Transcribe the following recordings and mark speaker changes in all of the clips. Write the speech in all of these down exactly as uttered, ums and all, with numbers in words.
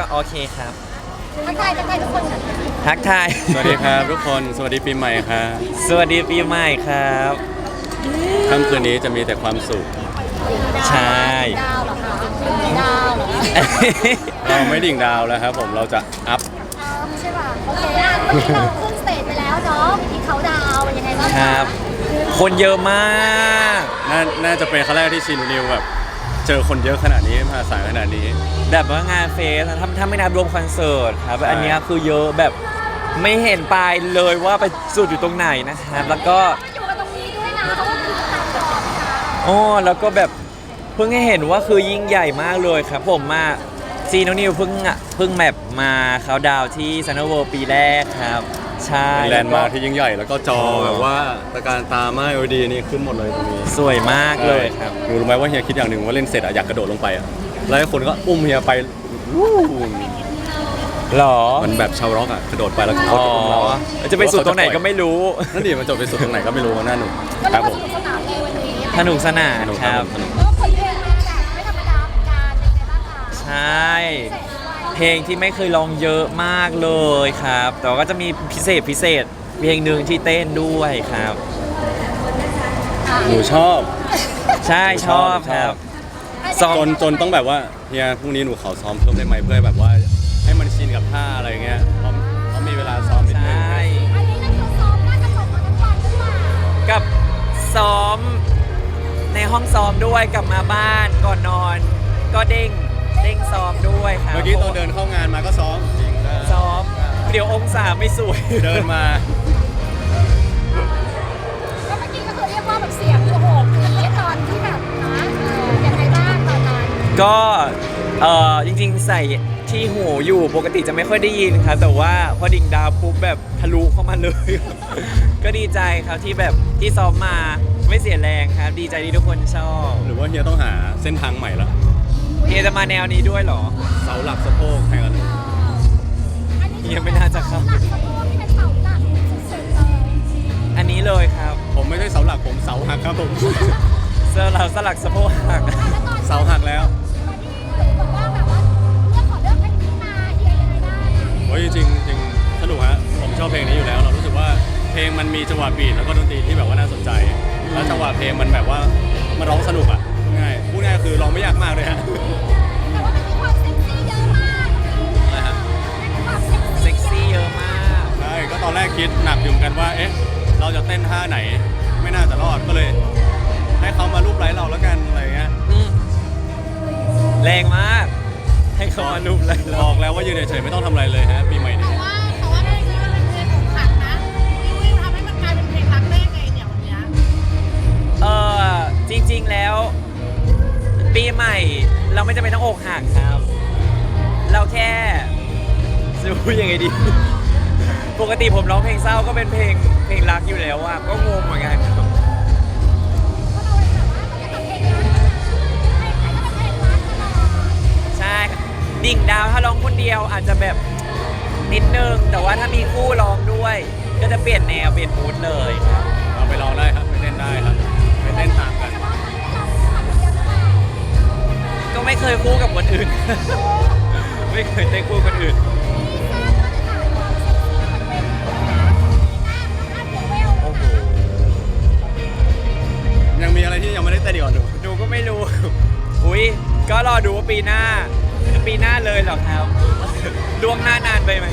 Speaker 1: โอเคครับ
Speaker 2: ทักทายทักทายทุกคนค่ะ
Speaker 1: ทักทาย
Speaker 3: สวัสดีครับทุกคนสวัสดีปีใหม่ครับ
Speaker 1: สวัสดีปีใหม่ครับ
Speaker 3: ค่ำคืนนี้จะมีแต่ความสุข
Speaker 1: ใช่
Speaker 2: ดาวเหรอคะดาวเหรอคะ
Speaker 3: เราไม่ดิ่งดาวแล้วครับผมเราจะอัพ
Speaker 2: อ้าวใช่ป่ะโอเคอ่ะเมื่อกี้เราขึ้นสเตจไปแล้วเนาะวิธีเขาดาวเป็นยังไงบ้าง
Speaker 1: ค
Speaker 2: คะ
Speaker 1: รับ คนเยอะมาก
Speaker 3: น่าน่าจะเป็นครั้งแรกที่ชินูนิวแบบเจอคนเยอะขนาดนี้มหาศาลขนาดนี้
Speaker 1: แบบว่างานเฟสถ้าถ้าไม่นับรวมคอนเสิร์ตครับอันเนี้ยคือเยอะแบบไม่เห็นปลายเลยว่าไปสุดอยู่ตรงไหนนะครับแล้วก็
Speaker 2: อยู่กันตรงนี้ด้วยนะเพราะว่าคือตัดต่อนะคะ
Speaker 1: อ๋อแล้วก็แบบเพิ่งให้เห็นว่าคือยิ่งใหญ่มากเลยครับผมมาซีโนนิวเพิ่งอ่ะเพิ่งแมปมาเขาดาวที่ซันเนอร์เวิลด์ปีแรกครับใช่
Speaker 3: เป็นแลนด์มาร์คที่ยิ่งใหญ่แล้วก็จอแบบว่าตะการตามา แอล อี ดี นี่ขึ้นหมดเลยตรงนี้
Speaker 1: สวยมากเลยครับ
Speaker 3: หนูรู้ไหมว่าเฮียคิดอย่างหนึ่งว่าเล่นเสร็จอะอยากกระโดดลงไปอะแล้วคนก็อุ้มเฮียไปวู้
Speaker 1: หรอ
Speaker 3: มันแบบชาวร็อกอะกระโดดไปแล้วเขา
Speaker 1: อ๋อ
Speaker 3: จะอุ้มเรา
Speaker 1: จะไปสุดตรงไหนก็ไม่รู้
Speaker 3: นั่นดิมันจบไปสุดตรงไหนก็ไม่รู้หน้าหนู
Speaker 2: ก็
Speaker 3: ค
Speaker 2: เรี
Speaker 3: รั
Speaker 2: ย
Speaker 3: บ
Speaker 2: ก
Speaker 3: ผ
Speaker 2: ว่าม สนุกสนานในวันนี้
Speaker 1: สนุกสนาน
Speaker 3: สนุก
Speaker 1: ค
Speaker 3: ครั
Speaker 1: รั
Speaker 3: บบ สนุก
Speaker 2: ก็ผลเพลงมาแบบไม่ธรรมดาเหมือนกันเป็นไงบ้างคะ
Speaker 1: ใช่ เพลงที่ไม่เคยร้องเยอะมากเลยครับ แต่ว่าก็จะมีพิเศษพิเศษเพลงหนึ่งที่เต้นด้วยครับ
Speaker 3: หนูชอบ
Speaker 1: ใช่ชอบครับ ซ้อม
Speaker 3: จนจนต้องแบบว่าเฮียพรุ่งนี้หนูขอซ้อมเพิ่มได้ไหมเพื่อแบบว่าให้มันชินกับท่าอะไรเงี้ยเพราะเพราะมีเวลาซ้อมนิด
Speaker 1: ใช
Speaker 3: นึง่
Speaker 2: อันนี้นั่นคือซ้อมน่าจะจบมาทั้งวันหรือเปล่า
Speaker 1: กับซ้อมในห้องซ้อมด้วยกลับมาบ้านก่อนนอน ก็เด้งเด้งซ้อมด้วยครับ
Speaker 3: เมื่อกี้ตอนเดินเข้างานมาก็ซ้อมจริงนะ
Speaker 1: ซ้อมเดี๋ยวองศาไม่สวย
Speaker 3: เดินมา
Speaker 2: ก็เมื่อกี้ก็คือเรียกว่าแบบเสียงโอ้โหอันนี้ตอนที่แบบนะเออยังไงบ้างตอนนั้น
Speaker 1: ก็เออจริงๆใส่ที่หูอยู่ปกติจะไม่ค่อยได้ยินครับแต่ว่าพอดิ่งดาวปุ๊บแบบทะลุเข้ามาเลย ก็ดีใจครับที่แบบที่ซ้อมมาไม่เสียแรงครับ ดีใจที่ทุกคนชอบ
Speaker 3: หรือว่าเฮียต้องหาเส้นทางใหม่ละ
Speaker 1: เฮียจะมาแนวนี้ด้วยเหรอ
Speaker 3: เสาหลักสะโพกแข่งกัน
Speaker 2: อันนี้
Speaker 1: เฮียไม่น่าจะเข้า
Speaker 2: หลักสะโพกที่เป็นเสาหลักสุดๆเลย
Speaker 1: อันนี้เลยครับ
Speaker 3: ผมไม่ใช่เสาหลักผมเสาหักครับผม
Speaker 1: เสื้อเราสลักสะโพกหัก
Speaker 2: แล้วตอน
Speaker 3: เสาหักแล้ว
Speaker 2: ตอนที่หนูบอกว่าแบบว่าเลือกขอเลือกเพลงนี้มาเฮียยังไงบ้างอะ
Speaker 3: โอ้ยจริงๆจริงสนุกฮะผมชอบเพลงนี้อยู่แล้ว เรารู้สึกว่าเพลงมันมีจังหวะบีทแล้วก็ดนตรีที่แบบว่าน่าสนใจ แล้วจังหวะเพลงมันแบบว่ามันร้องสนุกอ่ะง่ายพูดง่ายคือร้องไม่ยากมากเลยฮะ
Speaker 2: แต่ว่ามันมีความเซ็กซี่เยอะมาก
Speaker 3: นะฮะ
Speaker 2: มันมีความเซ็ก
Speaker 1: เซ็
Speaker 2: ซี่
Speaker 1: กซี่เยอะมาก
Speaker 3: ใช่ก็ตอนแรกคิดหนักอยู่เหมือนกันว่าเอ๊ะเราจะเต้นท่าไหน ไม่น่าจะรอดก็เลย ให้เขามารูปไล้เราแล้วกันอะไรเงี้ย
Speaker 1: อืมแรงมาก ให้เขามารูปเลย
Speaker 3: บ
Speaker 1: เรา
Speaker 3: อกแล้วว่ายืนเฉยๆไม่ต้องทำอะไรเลยฮะปีใหม่นี้
Speaker 4: ว่าแต่ว่าเพลงนี้มันเป็นเพลงอกหักนะวิววิวทำให้มันกลายเป็นเพลงรักได้ไงเนี่ยวันเนี้ย
Speaker 1: เออจริงๆแล้ว ปีใหม่เราไม่จำเป็นต้องอกหักครับ เราแค่จะพูดยังไงดี ปกติผมร้องเพลงเศร้าก็เป็นเพลงเพลงรักอยู่แล้วอะก็งงเหมือนกันครับ
Speaker 2: เพราะเราแบบว่ามันจะทำเพลงรักนะเพลงไหนก็เป็นเพลงรักตลอด
Speaker 1: ใช่ครับดิ่งดาวถ้าร้องคนเดียวอาจจะแบบนิดนึง แต่ว่าถ้ามีคู่ร้องด้วย ก็จะเปลี่ยนแนวเปลี่ยนมูดเลยครับ
Speaker 3: เราไปลองได้ครับไปเต้นได้ครับไปเต้นตามกัน
Speaker 1: ก็ไม่เคยคู่กับคนอื่น ไม่เคยเต้นคู่กับคนอื่น โอ้โห
Speaker 3: ยังมีอะไรที่ยังไม่ได้เต้นอีกเหรอหนู
Speaker 1: หนูก็ไม่รู้ อุ้ยก็รอดูว่าปีหน้า ปีหน้าเลยเหรอครับ ล่วงหน้านานไปไหม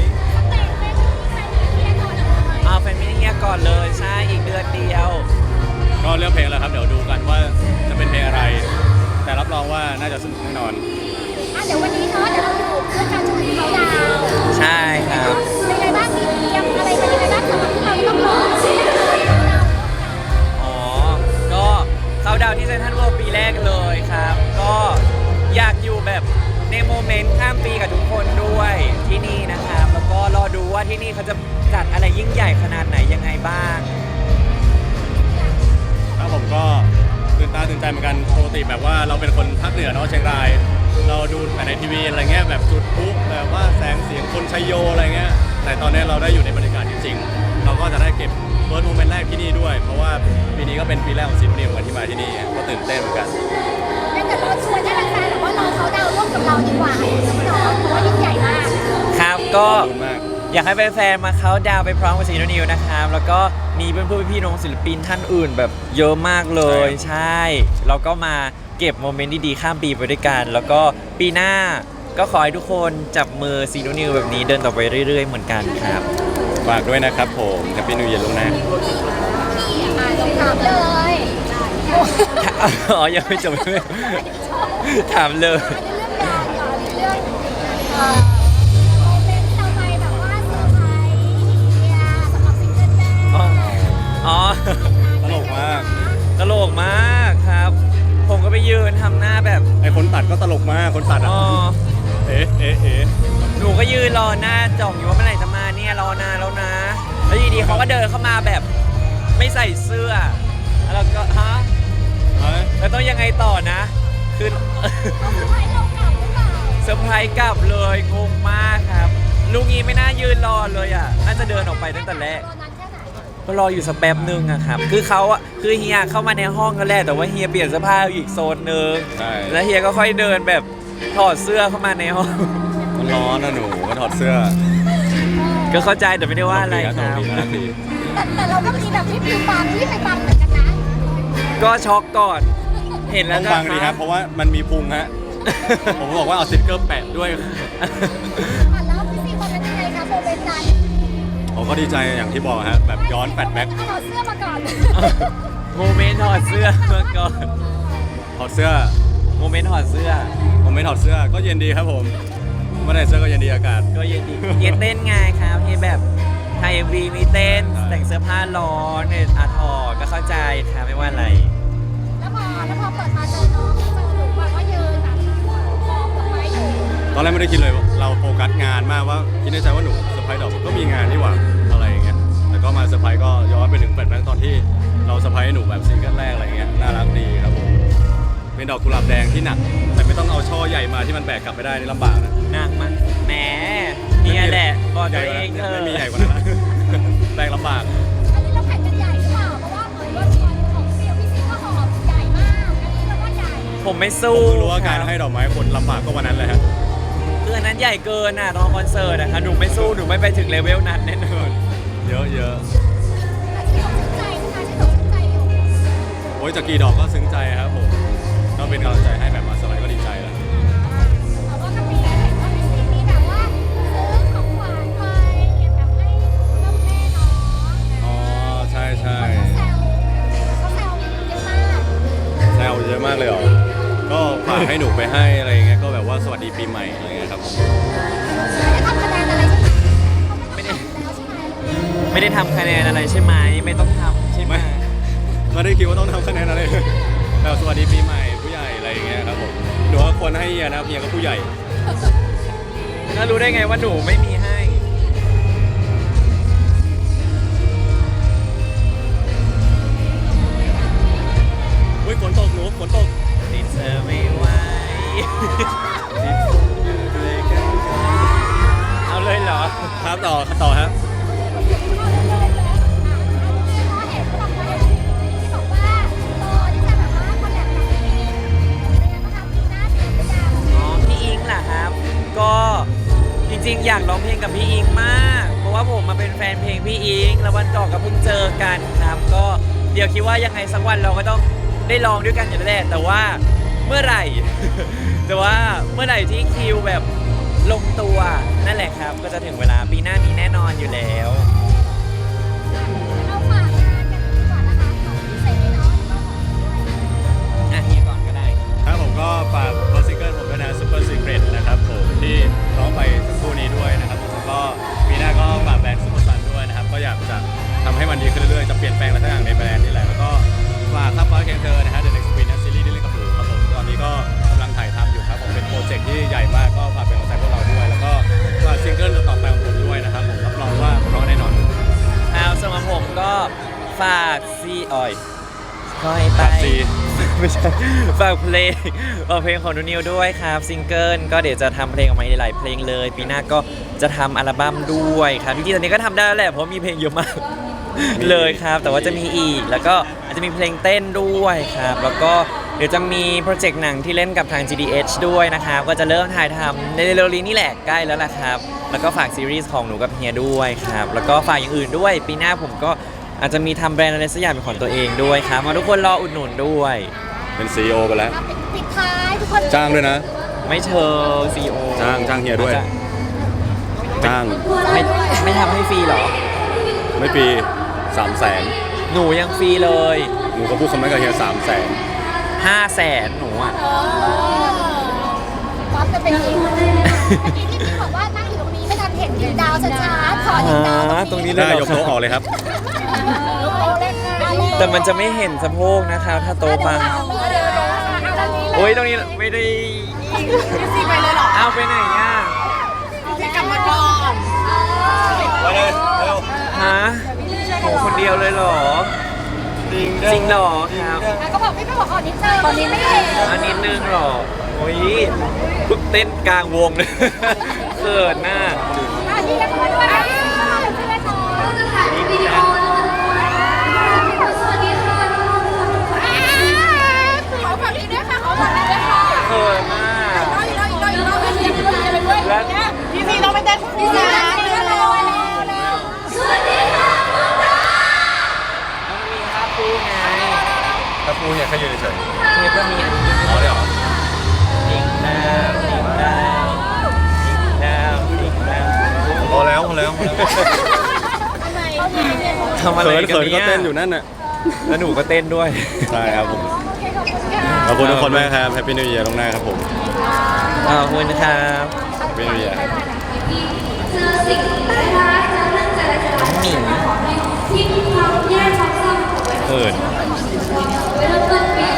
Speaker 1: เอาแฟนมิตรเฮียก่อนเลยใช่อีกเดือนเดียว
Speaker 3: ก็เลือกเพลงแล้วครับเดี๋ยวดูกันว่าจะเป็นเพลงอะไร แต่รับรองว่าน่าจะสนุกแน่นอน
Speaker 2: เดี๋ยววันนี้เนาะเดี๋ยวเราอยู่เพื่อการชมเขาดาว
Speaker 1: ใช่ครับ
Speaker 2: เป็นไงบ้างมีเตรียมอะไรเป็นยังไงบ้างสำหรับที่เราต้องร้อง
Speaker 1: อ๋อ ก็เข้าดาวน์ที่เซนทรัลเวิลด์ปีแรกเลยครับ ก็อยากอยู่แบบในโมเมนต์ข้ามปีกับทุกคนด้วยที่นี่นะครับ แล้วก็รอดูว่าที่นี่เขาจะจัดอะไรยิ่งใหญ่ขนาดไหนยังไงบ้าง
Speaker 3: ครับผมก็ตื่นตาตื่นใจเหมือนกันปกติแบบว่าเราเป็นคนภาคเหนือเนาะเชียงราย เราดูแต่ในทีวีอะไรเงี้ยแบบจุดพลุแบบว่าแสงเสียงคนชัยโยอะไรเงี้ยแต่ตอนนี้เราได้อยู่ในบรรยากาศจริงๆเราก็จะได้เก็บเฟิร์สโมเมนต์แรกที่นี่ด้วย เพราะว่าปีนี้ก็เป็นปีแรกของซีรีส์เหมือนกันที่มาที่นี่ก็ตื่นเต้นเหมือนกัน
Speaker 2: งั้นเดี๋ยวเราชวนให้แฟนๆแบบว่าเราเขาดาวร่วมกับเราดีกว่าเนาะเพราะว่ายิ่งใหญ่มาก
Speaker 1: ก็
Speaker 3: ขอบคุณมาก
Speaker 1: อยากให้แฟนๆมาเขาน์ดาวน์ไปพร้อมกับซีโนนิวนะครับแล้วก็มีเพื่อนๆพี่ๆน้องศิลปินท่านอื่นแบบเยอะมากเลยใช่แล้วก็มาเก็บโมเมนต์ดีๆข้ามปีไปด้วยกัน แล้วก็ปีหน้าก็ขอให้ทุกคนจับมือซีโนนิวแบบนี้เดินต่อไปเรื่อยๆเหมือนกันครับ
Speaker 3: ฝากด้วยนะครับผมแฮปปี้นิวเยียร์ล่วงหน้า
Speaker 2: อ่าลงถามเลย
Speaker 1: อ๋อ ยังไม่จบ ถามเลย
Speaker 2: เรื่องงานก่อนเรื่องเอ่อโมเมนต์ทำไมแบบว่าเซอร์ไพรส์เฮียสำหรับซิงเกิลแรก
Speaker 1: อ๋อ อ๋อ
Speaker 3: ตลกมาก
Speaker 1: ตลกมากครับ ผมก็ไปยืนทำหน้าแบบ
Speaker 3: ไอคนตัดก็ตลกมากคนตัดอ่ะ
Speaker 1: อ๋อ
Speaker 3: เอ๊ะเอ๊ะเอ๊ะ
Speaker 1: หนูก็ยืนรอหน้าจ่องอยู่ว่าเมื่อไหร่จะมาเนี่ยรอนานแล้วนะ แล้วอยู่ดีๆเขาก็เดินเข้ามาแบบไม่ใส่เสื้อ แล้วก็ฮะ
Speaker 3: เอ้ย
Speaker 1: แล้วต้องยังไงต่อนะ คือ
Speaker 2: เขาคือให้เรากลับหรือเปล่า
Speaker 1: เซอร์ไพรส์กลับเลยงงมากครับ ลูกนี้ไม่น่ายืนรอเลยอ่ะ น่าจะเดินออกไปตั้งแต่แรก
Speaker 2: ตอนนั้นแค่ไหน
Speaker 1: ก็รออยู่สักแป๊บนึงอะครับ คือเขาอะคือเฮียเข้ามาในห้องก็แรกแต่ว่าเฮียเปลี่ยนเสื้อผ้าอยู่อีกโซนนึง
Speaker 3: ใช่
Speaker 1: แล้วเฮียก็ค่อยเดินแบบถอดเสื้อเข้ามาในห้อง
Speaker 3: มันร้อนนะหนูก็ถอดเสื้อ
Speaker 1: ก็เข้าใจแต่ไม่ได้ว่าอะไร
Speaker 3: ตลก
Speaker 1: ค
Speaker 3: ดี
Speaker 1: รับ
Speaker 3: นะตลกดี
Speaker 2: แต่แต่เราก็มีแบบที่ปิวปังที่ไปปังเหมือนกันนะ
Speaker 1: ก็ช็อกก่อน เห็น
Speaker 3: น่า
Speaker 1: แล้
Speaker 3: รั
Speaker 1: ว
Speaker 3: กดีต้องฟังดีครับ เพราะว่ามันมีพุงฮะ ผมบอกว่าเอาสติ๊กเกอร์แปะด้วย
Speaker 2: อ่ะแล้วพี่ซีมันเป็นยังไงคะโมเมนต์นั้น
Speaker 3: ผมก็ดีใจอย่างที่บอกฮะ แบบย้อนแฟลชแบ็ก
Speaker 2: ถอดเสื้อมาก่อน
Speaker 1: โมเมนต์ถอดเสื้อมาก่อน
Speaker 3: ถอดเสื้อ
Speaker 1: โมเมนต์ถอดเสื้อ
Speaker 3: ผมไม่ถอดเสื้อก็เย็นดีครับผมไม่ได้เสื้อก็เย็นดีอากาศ
Speaker 1: ก็เย็นดีเย็นเต้นไงครับเฮียแบบไทยเอ็มวีมีเต้น
Speaker 3: ใช่
Speaker 1: แต่งเสื้อผ้าร้อนเนี่ยอาถอดก็เข้าใจครับไม่ว่าอะไร
Speaker 2: แล้วพอแล้วพอเปิดมาเจอน้องเจอหนูแบบว่ายืนแบบมองดอกไม้อยู่
Speaker 3: ตอนแรกไม่ได้คิดเลยว่าเราโฟกัสงานมากว่าคิดในใจว่าหนูเซอร์ไพรส์ดอกก็มีงานนี่หว่าอะไรอย่างเงี้ยแต่ก็มาเซอร์ไพรส์ก็ย้อนไปถึงแฟลชแบ็กตอนที่เราเซอร์ไพรส์หนูแบบซิงเกิลแรกอะไรเงี้ยน่ารักดีครับผมเป็นดอกกุหลาบแดงที่หนัก แต่ไม่ต้องเอาช่อใหญ่มาที่มันแบกกลับไม่ได้นี่ลำบากนะ
Speaker 1: หนักมั้ยแหมเนี่ยแหละบอกตัวเองเธ
Speaker 3: ไม่
Speaker 1: อะ
Speaker 3: มีใหญ่กว่านั้นนะ แบกลำบาก
Speaker 2: อันนี้เราแข่งกันใหญ่หรือเปล่าเพราะว่าเหมือนว่าตอนของเซียวพี่ซีก็หอบใหญ่มากอันนี้เราก็ใหญ่
Speaker 1: ผมไม่
Speaker 3: ผม
Speaker 1: สู้
Speaker 3: เพิ่งรู้ว่าการ
Speaker 1: คบ
Speaker 3: ให้ดอกไม้คนลำบากก็วันนั้นเลยฮะ
Speaker 1: คืออันนั้นใหญ่เกินอ่ะตอนคอนเสิร์ตอะครับหนูไม่สู้หนูไม่ไปถึงเลเวลนั้นแน่นอน
Speaker 3: เยอะเยอะ
Speaker 2: แต่ที่เราชื่นใจนะคะที่เราชื่นใจอยู่
Speaker 3: โอ้ยจากกี่ดอกก็ซึ้งใจครับผมก็เป็นกำลังใจให้แบบมาสไลด์ก็ดีใจแล้ว
Speaker 2: แต่ว่าก็มีเห็นว่าพี่ซีมีแบบว่าซื้อของหวานไปแบบให้พ่อแม่น้อง
Speaker 3: อ๋อใช่ใช่
Speaker 2: เขาแซวเขาแซวเยอะมาก
Speaker 3: แซวเยอะมากเลยเหรอก็ฝากให้หนูไปให้อะไรอย่างเงี้ยก็แบบว่าสวัสดีปีใหม่อะไรเงี้ยครับผม
Speaker 2: ไม่ได้ทำคะแนนอะไรใช่ไหมเขาไม่ต้องทำแล้วใช่ไหม
Speaker 1: ไม่ได้ไม่ได้ทำคะแนนอะไรใช่ไหม
Speaker 3: ไม่ไม่ได้คิดว่าต้องทำคะแนนอะไรแบบสวัสดีปีใหม่ผู้ใหญ่อะไรอย่างเงี้ยครับผมหนูว่าควรให้เฮียนะเฮียก็ผู้ใหญ่
Speaker 1: แล้วรู้ได้ไงว่าหนูไม่มีให้
Speaker 3: อุ้ยฝนตกหนูฝนตก
Speaker 1: ติดเธอไม่ไหว เอาเลยเหรอ
Speaker 3: ครับต่อต่อครับ
Speaker 2: พอเห็นบอกว่าที่บอกว่ารอที่จะแบบว่าคอลแลบกับพี่อิงเป็นยังไงบ้างคะปีหน้าถึงหรือยัง
Speaker 1: อ๋อพี่อิงเหรอครับ ก็จริงๆ อยากร้องเพลงกับพี่อิงมาก เพราะว่าผมมาเป็นแฟนเพลงพี่อิง แล้ววันก่อนก็เพิ่งเจอกันครับ ก็เดี๋ยวคิดว่ายังไงสักวันเราก็ต้องได้ร้องด้วยกันอยู่แล้วแหละแต่ว่าเมื่อไหร่ แต่ว่าเมื่อไหร่ที่คิวแบบลงตัวนั่นแหละครับ ก็จะถึงเวลาปีหน้านี้แน่นอนอยู่แล้ว
Speaker 2: เอาฝากงานกันดีกว่านะคะของพี่เซเนาะแล้วก็ของพี่ด้วย
Speaker 1: อ่ะเฮียก่อนก็ได้
Speaker 3: ครับผมก็ฝากเบอร์ซิงเกิลผมด้วยนะ Super Secret นะครับผมที่ร้องไปสักครู่นี้ด้วยนะครับผมแล้วก็ปีหน้าก็ฝากแบรนด์ซุปเปอร์ซันด้วยนะครับก็อยากจะทำให้มันดีขึ้นเรื่อยๆจะเปลี่ยนแปลงอะไรสักอย่างในแบรนด์นี่แหละแล้วก็ฝากข้ามฟ้าเคียงเธอนะฮะ The Next Queen ซีรีส์ที่เล่นกับหนูครับผมตอนนี้ก็กำลังถ่ายทำอยู่ครับผมเป็นโปรเจกต์ที่ใหญ่มากก็ฝากเป็นกำลังใจพวกเราด้วย แล้วก็ฝากซิงเกิลต่อไปของผมด้วยนะครับผมรับรองว่าเพราะแน่นอน
Speaker 1: เอาสำหรับผมก็ฝากซีออยคอยไป
Speaker 3: ฝากซี
Speaker 1: ไม่ใช่ฝากเพลงฝากเพลงของนูนิวด้วยครับซิงเกิลก็เดี๋ยวจะทำเพลงออกมาหลายๆเพลงเลย ปีหน้าก็จะทำอัลบั้มด้วยครับจริงๆตอนนี้ก็ทำได้แล้วแหละเพราะมีเพลงเยอะมาก เลยครับ แต่ว่าจะมีอีกแล้วก็อาจจะมีเพลงเต้นด้วยครับ แล้วก็เดี๋ยวจะมีโปรเจกต์หนังที่เล่นกับทาง จี ดี เอช ด้วยนะครับก็จะเริ่มถ่ายทำในเร็วๆนี้นี่แหละใกล้แล้วล่ะครับแล้วก็ฝากซีรีส์ของหนูกับเฮียด้วยครับแล้วก็ฝากอย่างอื่นด้วยปีหน้าผมก็อาจจะมีทำแบรนด์อะไรสักอย่างเป็นของตัวเองด้วยครับมาทุกคนรออุดหนุนด้วย
Speaker 3: เป็นซีอีโอไปแล้ว
Speaker 2: ปิดท้ายทุกคน
Speaker 3: จ้างด้วยนะ
Speaker 1: ไม่เชิงซีโอ
Speaker 3: จ้างจ้างเฮียด้วย จ้าง
Speaker 1: ไม่ไม่ทำให้ฟรีเหรอ
Speaker 3: ไม่ปีสามแสน
Speaker 1: หนูยังฟรีเลย
Speaker 3: หนูก็พูดคำนั้นกับเฮียสามแสน
Speaker 1: ห้าแสนหนูอ่ะ
Speaker 2: เออวัดกันเป็นจริงเมื่อกี้ที่พี่บอกว่านั่งอยู่ตรงนี้ไม่ทันเห็นดินดาวช้าๆขอดินดาว
Speaker 1: อ่าตรงนี้
Speaker 3: ได้ยกโต๊ะออกเลยครับ
Speaker 1: แต่มันจะไม่เห็นสะโพกนะครับถ้าโตมาโอ้ยตรงนี้ไม่ได้
Speaker 4: พี่ซีไปเลยเหรอ
Speaker 1: เอาไปไหนอ่ะ
Speaker 4: พี่ซีกลับมาก่อน
Speaker 3: ไปเลยเร็ว
Speaker 1: ฮะโหคนเดียวเลยเหรอ
Speaker 3: จริง
Speaker 1: จริงเหรอครับ
Speaker 2: ก็บอกพี่ไม่บอกขอนิดนึงตอนนี้ไม่เห็น
Speaker 1: อันนิดนึงเหรอโอ้ยพึ่งเต้นกลางวงเลย เขินหน้า
Speaker 2: อันนี้ก็มาด้วยใช่ไหมคะขอฝากนี้ด้วยค่ะขอฝากนี้ด้วยค่ะ
Speaker 1: เขินมาก
Speaker 2: อีกรอบอีกรอบอีกรอบอีกรอบอีกรอบอีกรอบ
Speaker 1: แล้ว
Speaker 4: พี่ซีเราไปเต้นคู่
Speaker 2: พี่
Speaker 4: นะ
Speaker 2: จ๋าเร็วเร็วเร็วเร็วสวัสดีค่ะ
Speaker 1: มันมีภาพคู่ไง
Speaker 3: ถ้าพูดเนี่ยแค่ยืนเฉย
Speaker 1: เฮียก็มีอันนี้
Speaker 3: ๆอ๋อเดี๋ยว
Speaker 1: ดิ่งดาวดิ่งดาวดิ่งดาวดิ่งดาว
Speaker 3: พอแล้วพอแล้วพอแล้ว
Speaker 1: ทำอะไร
Speaker 3: เขิน
Speaker 1: กัน
Speaker 3: เขินก็
Speaker 1: เนี่ย
Speaker 3: เต้นอยู่นั่นน่ะ
Speaker 1: แล้วหนูก็เต้นด้วย
Speaker 3: ใช่ครับผม
Speaker 2: โอเคขอบคุณค่ะ
Speaker 3: ขอบคุณทุกคนมากครับแฮปปี้นิว e ียร์ตรงหน้าครับผม
Speaker 1: ขอบคุณนะครับ
Speaker 3: แฮปปี้นิว e ียร์
Speaker 1: น้องหมิง
Speaker 3: เขิน